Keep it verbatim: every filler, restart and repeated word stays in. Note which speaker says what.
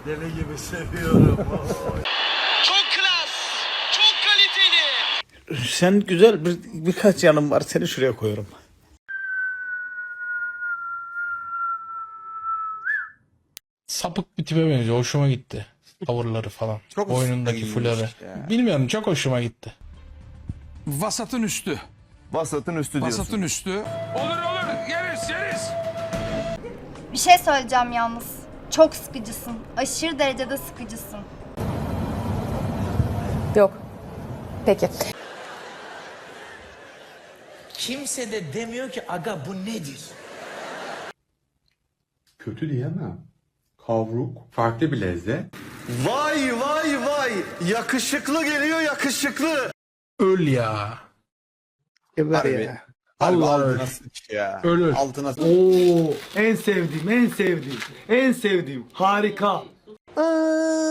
Speaker 1: Deli gibi seviyorum.
Speaker 2: Çok klas, çok kaliteli.
Speaker 3: Sen güzel bir, birkaç yanım var, seni şuraya koyuyorum.
Speaker 4: Sapık bir tipe benziyor. Hoşuma gitti. Tavırları falan.
Speaker 5: Çok
Speaker 4: Boynundaki
Speaker 5: iyiymiş
Speaker 4: fuları.
Speaker 5: ya.
Speaker 4: Bilmiyorum, çok hoşuma gitti.
Speaker 6: Vasatın üstü.
Speaker 5: Vasatın üstü diyorsun.
Speaker 6: Vasatın üstü. Olur olur yeriz yeriz.
Speaker 7: Bir şey söyleyeceğim yalnız. Çok sıkıcısın. Aşırı derecede sıkıcısın.
Speaker 8: Yok. Peki.
Speaker 2: Kimse de demiyor ki aga bu nedir?
Speaker 9: Kötü diyemem. Kavruk, farklı bir lezzet.
Speaker 1: Vay vay vay. Yakışıklı geliyor yakışıklı.
Speaker 4: Öl ya.
Speaker 3: Geber
Speaker 5: Harbi.
Speaker 3: ya.
Speaker 5: Allah
Speaker 4: Allah
Speaker 5: altına
Speaker 4: öl.
Speaker 5: sıç ya.
Speaker 4: Ölür.
Speaker 5: Altına sıç.
Speaker 1: Oo, en sevdiğim, en sevdiğim, en sevdiğim. Harika.
Speaker 5: Aa,